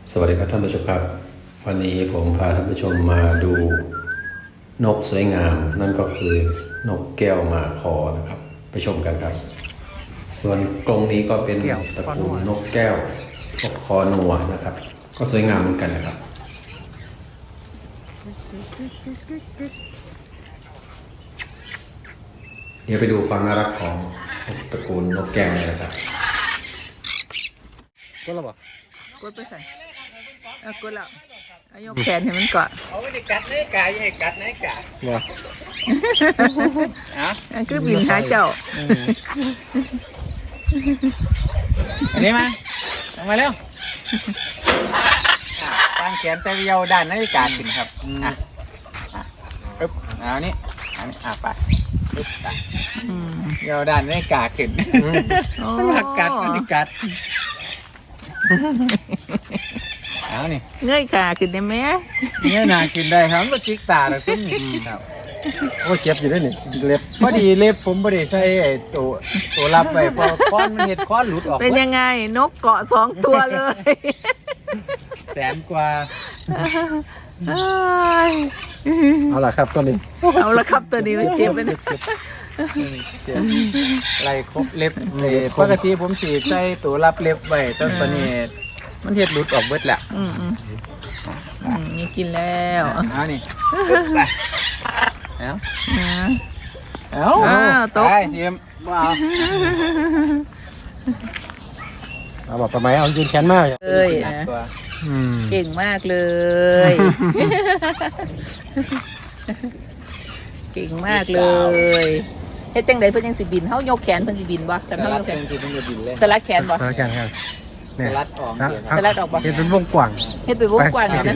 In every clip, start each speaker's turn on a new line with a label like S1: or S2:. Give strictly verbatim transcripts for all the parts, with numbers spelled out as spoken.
S1: สวัสดีครับท่านผู้ชมครับวันนี้ผมพาท่านผู้ชมมาดูนกสวยงามนั่นก็คือนกแก้วมาคอนะครับไปชมกันครับส่วนกรงนี้ก็เป็นตระกูลนกแก้วนกคอนัวนะครับก็สวยงามเหมือนกันนะครับเดี๋ยวไปดูความน่ารักของตระกูลนกแก้วเลยนะครับก็ระบ
S2: กดไปใส่เอากดแล้วเอายกแขนให้มันเกาะ
S3: เอาไม่ได้กัดในกายให้กัดในกา
S1: บ่
S3: อ่ะ
S2: นั่นคือบินหาเจ้า
S3: อันนี้มาลงมาเร็วตั้งแขนแต่เดียวด้านในกาขึ้นครับอ่ะอ่ะปึ๊บเอาอันนี้อันนี้อ่ะไปปึ๊บไปเดียวด้านในกาขึ้นมากัดมันที่กัดเอานี่
S2: เงยขาขึ้นได้ไหม
S3: เงยหน้าขึ้นได้ครับก็จิกตาแล้วซึ่งครับ
S1: โอ้เจ็บอยู่ด้วยนี่เล็บ
S3: พอดีเล็บผมพอดีใช้ไอ้ตัวตัวรับไว้พอค้อนมันเห็ดค้อนหลุดออก
S2: เป็นยังไงนกเกาะสองตัวเลย
S3: แสนกว่า
S1: เอาล่ะครับตัวนี้
S2: เอาละครับตัวนี้มันเจ็บไปนะ
S3: ไรครบเล็บปกติผมสีใช้ตัวรับเล็บไว้ตอนตอนนี้มันเห็ดหลุดออกเบิดแหละ
S2: อืมอืมนี่กินแล้ว
S3: เอานี่เอา
S2: เอาตก
S3: ไปทีมว้าว
S1: เอาแบบประมาณเอายืนแขนมาก
S2: เลยเก่งมากเลยเก่งมากเลยเฮ็ดจังไดเพิ่นยังสิบินเฮายกแขนเพิ่นสิบินบ่แต่เฮายกแขน
S3: สิบินบินเลย
S2: สลัดแขนบ่
S1: สลัดแขนครับ
S3: สลัดออก
S2: สลัดออกบ่
S1: เฮ็ดเป็นวงกว้าง
S2: เฮ็ดเป็นวงกว้างนี่นะ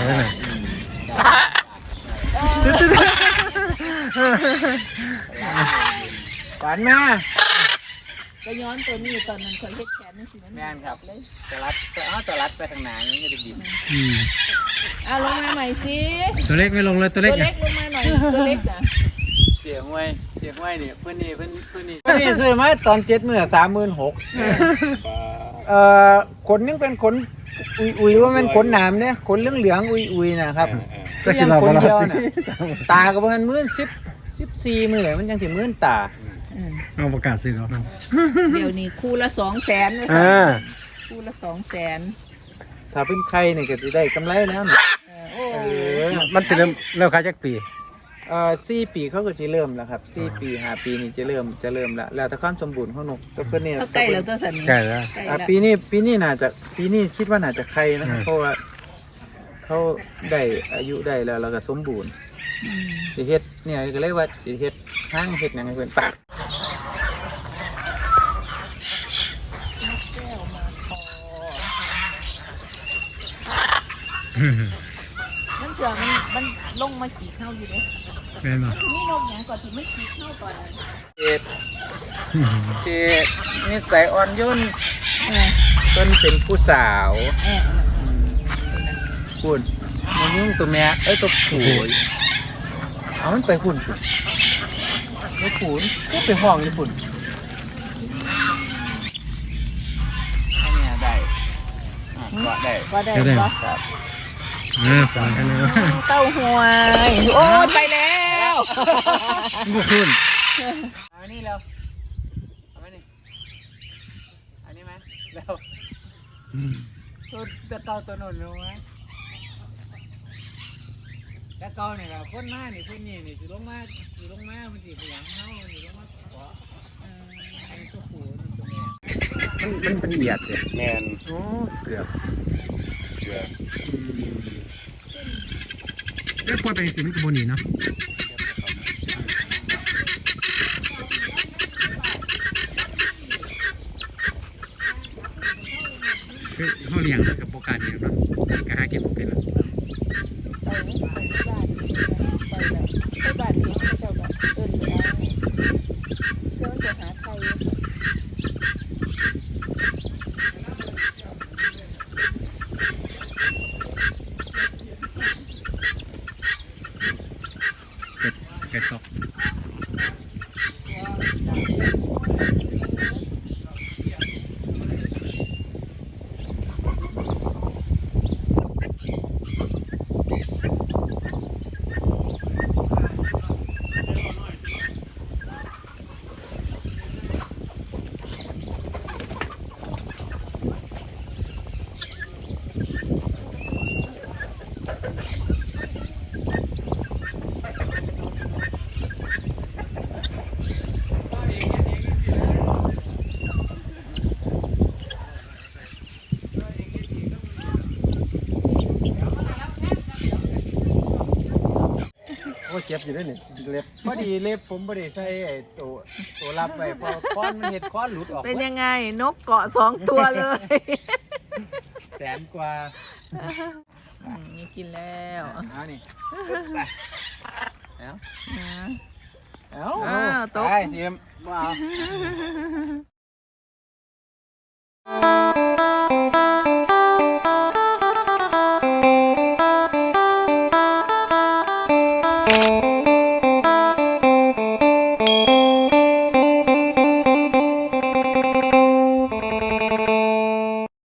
S3: ฝันมา
S2: ก็ย้อนตัวนี้ตอนนั้นคนเฮ็ดแขนนี่สิมัน
S3: แม่นครับสลัดเอาสลัดไปทางหน้านี่ก็จะบิน
S2: เอาลงมาใหม่สิ
S1: ตัวเล็กไม่ลงเลยตัวเล็ก
S2: ตัวเล็กลงมาหน่อยตัวเล็กนะ
S3: เสียงไว้เสียงไว้เนี่ยเพื่อนนี่เพื่อนเพื่อนนี่เพื่อนนี่ซื้อมาตอนเจ็ดหมื่นสามหมื่นหกเอ่อขนยังเป็นขนอุยอุยว่ามันขนหนามเนี่ยขนเหลืองเหลืองอุยอุยนะครับยังขนเดียวน่ะตาก็ประมาณหมื่นสิบสิบสี่หมื่นมันยังถึงหมื่นตา
S1: เอาประกาศซื้อแล้วครับ
S2: เดี๋ยวนี้คู่ละสองแสนเลยคู่ละสองแสน
S3: ถ้าเป็นใครเนี่ยก็จะได้กำไรแล้ว
S1: มันจะเริ่มเริ่มขายจากปี
S3: เอ่อสี่ปีเขาก็จะเริ่มแล้วครับสี่ปีห้าปีนี่จะเริ่มจะเริ่มแล้วแล้วแต่ความสมบูรณ์ของนกตัวเพื่อนเนี่ย
S2: ใกล้แล้วตัวสัน
S1: ใกล้แล้ว
S3: ปีนี้ปีนี้น่าจะปีนี้คิดว่าน่าจะใครนะเพราะว่าเขาได้อายุได้แล้วแล้วก็สมบูรณ์สิเฮ็ดเนี่ยก็เลยว่าสิเฮ็ดห้างเฮ็ดอย่างไรเพื่อนปาก
S2: มันเกิดมันมันลงมาขี่เข้าอยู่เลย
S1: เป็นป่ะ
S2: นี่นกอย่างก่อนที่ไม่ขี่เข้าก่อน
S3: เฮ็ดเฮ็ดนิสัยอ่อนโยนต้นเป็นผู้สาวคุณมันยุ่งตัวแม่เอ้ยตัวผูยเอามันไปหุ่นคุณไม่ขุนก็ไปห้องญี่ปุ่นอันนี้ได้ก็ได้
S2: ก็ได้ก็
S3: ครับ
S2: เต้าหวยโอ้ไปแล้ว
S1: บุคุณ
S3: เอาอันนี้แล้วเอาอันนี้อันนี้ไหมแล้วตัวตัวเก่าตัวนุ่นรู้ไหมแล้วเก่าเนี่ยครับคนมานี่คนนี่นี่สิลงมาสิลงมามันสิพยายามเฮาสิลงมาเกาะอันนี้ตัวผูนี่ตัวแม่
S1: มันเป็นเบียดเลย
S3: แมน
S1: โอ้เกือบ
S3: เกือบ
S1: เอ้ยพอไปสิมันกระโบนีเนาะคือเขาเลี้ยงกับโปรการเนี่ยเนาะกระหาเก็บเป็นละ
S2: ไปบ้านนี้เจ้าแบบเอิ้นไปเอาเจ้าจะหาไทย
S1: เป็ดตก
S3: ว่าเจ็บอยู่ด้วยนี่เล็บพอดีเล็บผมพอดีใส่ไอ้ตัวตัวรับไว้พอค้อนมันเห็ดค้อนหลุดออก
S2: เป็นยังไงนกเกาะสองตัวเลย
S3: แสนกว่า
S2: อืมนี่กินแล้ว
S3: เอานี่เอา
S2: นะ
S3: เอา
S2: อ้าวตก
S3: ไปเตรียมว้าว